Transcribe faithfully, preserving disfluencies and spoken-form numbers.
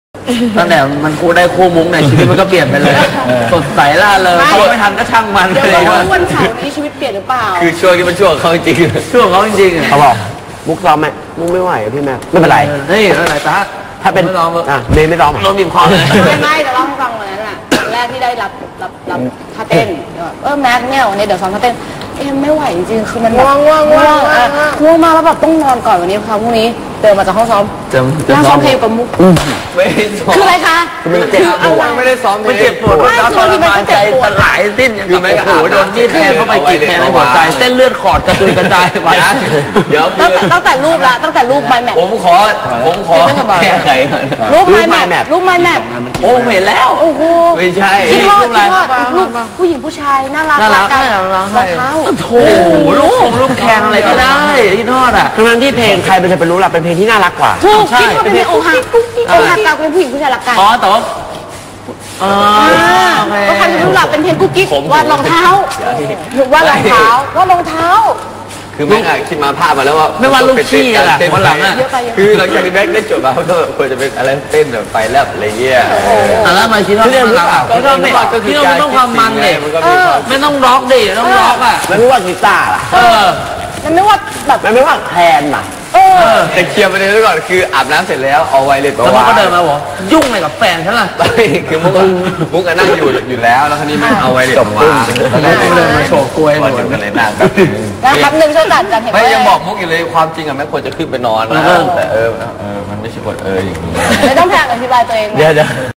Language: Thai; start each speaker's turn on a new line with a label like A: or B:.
A: ตั้งแต่มันคู่ได้คู่มุ้งเนี่ยชีวิตมันก็เปลี่ยนไปเลยสดใสล่าเลยเขาไม่ทันก็ช่างมัน
B: เดี๋ยว
A: เลย
B: ว่าวันเสาร์นี้ชีวิตเปลี่ยนหรือเปล่า
C: คือช่วงนี้มันช่วงเขาจริง
A: ช่วงเขาจริง
D: เขาบอกมุกซ้อมไหมมุกไม่ไหวพี่แม่ไม่เป็นไร
A: เฮ้ยอะไรตา
D: ถ้าเป็น
A: ไม่ร้อง
D: อ่ะเมย์ไม่ร้อง
A: ร้องบีบคอเลย
B: ไม่ไม่จะเล่าให้ฟังวันนั้นแหละแรกที่ได้รับรับรับท่าเต้นเออแม็กเนี่ยวันนี้เดี๋ยวซ้อมท่าเต้นเอ็มไม่ไหวจริงคือมันง่วงง่วงง่วงง่วงมากแล้วแบบต้องนอนก่อนวันนี้ค่ะพรุ่งนี้เดินมาจากห้องซ้อมนั่งซ้อมเพลงกับมุก
C: ไม่ซ้อม
B: คืออะไรคะ
D: มันเจ็บปวด
C: ไม่ได้ซ้อม
A: มันเจ็บปวดแล้วทรมานใจสลายสิ้นคือไม่โอ้โหโดนที่แทงเข้าไปกีดแทงในหัวใจเส้นเลือดขอดกระจุยกระจายไป
C: เดี๋ยว
B: ตั้งแต่รูปละตั้งแต่รูปไมแมท
C: ผมขอผมขอแก้ไข
B: รูปไมแมทรูปไมแมท
A: โอ้เห็นแล้ว
B: โอ้โห
C: ไม่ใช่
B: ที่ทอดที่ทอดรูปผู้หญิงผู้ชายน่ารัก
A: น่ารัก
B: กัน
A: น่ารัก
B: รองเท้า
A: โถลูกลูกแข่งอะไรก็ได้ที่ทอดอ่ะ
D: ทั้งนั้นที่เพลงใครมันจะไปรู้ล่ะเป็นเพลงที่น่ารักกว่า
B: ถูกคิดว่าเป็นเพลงอกหักอกหักกับเป็นผู้หญิงผู้ชายรักกัน
A: อ๋อแต่ว่าอ๋อ
B: ก็ใครจะรู้ล่ะเป็นเพลงกุ๊กกิ๊กวาดรองเท้าว่ารองเท้าว่ารองเท้า
C: คือแม่งคิดมาภาพมาแล้วว่า
A: ไม่ว่าลูกขี้อะไรวันหลังอ่ะ
C: คือหลังจากที่แม็กได้จบมาเขาก็ควรจะเป็นอะไรเต้นแบบไฟแลบอะไรเงี้ย
A: อ่ะแล้วมาคิดว่าไม่ต้องไม่ต้องไม่ต้องความมันเลยไม่ต้องร็อกดิต้องร็อกอ่ะ
D: แล้วไม่ว่ากีตาร์ล่ะ
A: เออ
B: มันไม่ว่าแบบ
D: มันไม่ว่าแทนล่ะ
B: เออ
C: แต่เคลียร์ประเด็นไว้ก่อนคืออาบน้ำเสร็จแล้วเอาไวเลส
A: แล้วมันก็เดินมาบอกยุ่งอะไรกับแฟนฉันล่ะ
C: คือมุกมุกนั่งอยู่อยู่แล้วแล้วคราวนี้มันเอาไวเลสมา
A: แล้วเดินมาโชว์กล้วยหมด
C: เลยนะ
B: แล้วครับหนึ่งช่วยจัดจัดเห็นไหม
C: ไม่ยังบอกมุกอยู่เลยความจริงอะแม่ควรจะขึ้นไปนอนนะแต่เออเออมันไม่ใช่กฎเอออย่างนี้
B: ไม่ต้องแพงอธิบายตัวเอง
D: เดี๋ยวเดี๋ยว